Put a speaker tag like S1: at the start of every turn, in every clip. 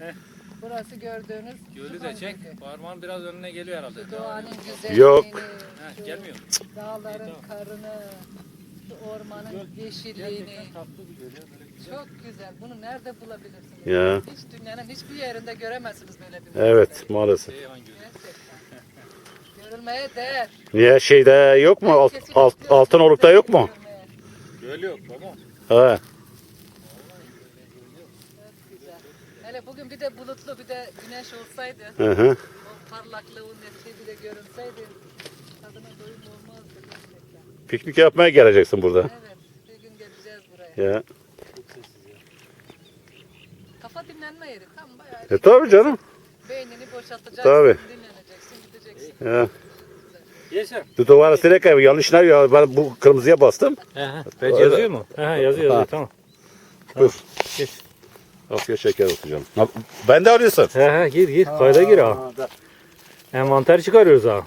S1: Burası gördüğünüz
S2: Gölü de çek. Parmağın biraz önüne geliyor herhalde.
S1: doğanın güzelliğini,
S3: Yok.
S2: He, gelmiyor.
S1: dağların karını, şu ormanın yeşilliğini.
S2: Tatlı bir göl ya, böyle güzel.
S1: Çok güzel. Bunu nerede bulabilirsiniz?
S3: Ya.
S1: Hiç dünyanın hiçbir yerinde göremezsiniz böyle bir
S3: Evet maalesef.
S2: Seyhan Gölü.
S1: Gerçekten. Görülmeye değer.
S3: Niye şeyde yok mu? Altınoluk'ta yok mu?
S1: Görülmeye.
S2: Göl yok baba.
S3: He.
S1: Çok güzel. Hele bugün bir de bulutlu bir de güneş olsaydı,
S3: Hı hı.
S1: o parlaklığın netliği bir de görünseydi tadına doyum olmazdı gerçekten.
S3: Piknik yapmaya geleceksin burada.
S1: Evet, bir gün geleceğiz buraya.
S3: Ya.
S1: Kafa dinlenme yeri tam bayağı.
S3: Tabii canım.
S1: Beynini boşaltacaksın,
S3: Tabii.
S1: dinleneceksin, gideceksin.
S3: Ya.
S2: Yaşar.
S3: Duvara sinek evi yanlış ne ya? Ben bu kırmızıya bastım.
S2: Ben yazıyor mu? Yazıyor tamam.
S3: Dur.
S2: Geç.
S3: Afiyet şeker olsun canım. Ben de arıyorsun.
S2: Gir kayda gir ha. Envanter çıkarıyoruz ha.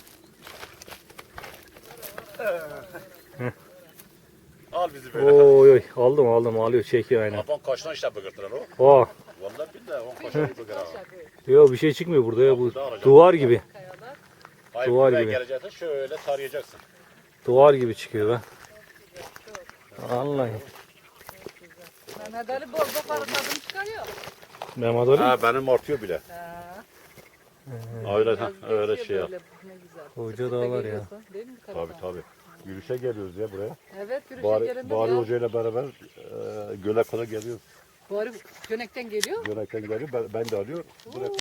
S3: Al bizi böyle.
S2: Oy aldım alıyor çekiyor aynen.
S3: Afon kaçtan işte bıgırtılar o.
S2: Oh.
S3: Vallahi billahi on kaçtan bıgır ha.
S2: Yok bir şey çıkmıyor burada ya bu
S3: Burada alacağım.
S2: duvar gibi.
S1: Kayalar.
S3: Hayır,
S2: Duvar
S3: buraya
S2: gibi.
S3: geleceksin şöyle tarayacaksın.
S2: Duvar gibi çıkıyor be. Vallahi.
S1: Mehmet Ali bol bol arı tadını çıkarıyor.
S2: Mehmet Ali.
S3: Ha benim artıyor bile.
S1: Ha,
S3: Öyle
S1: biraz
S3: öyle
S1: geçiyor
S3: şey yap.
S1: böyle, ne güzel.
S2: Koca
S1: Siz de
S2: dağlar ya.
S1: geliyorsun, değil mi
S3: Tabii
S1: Karadağ?
S3: tabii. Yürüyüşe geliyoruz ya buraya.
S1: Evet, yürüyüşe gelinir
S3: Bari
S1: ya.
S3: Hoca ile beraber göle kadar geliyoruz.
S1: Bari Gönek'ten geliyor.
S3: Gölekten geliyor. Ben de arıyor. Buraya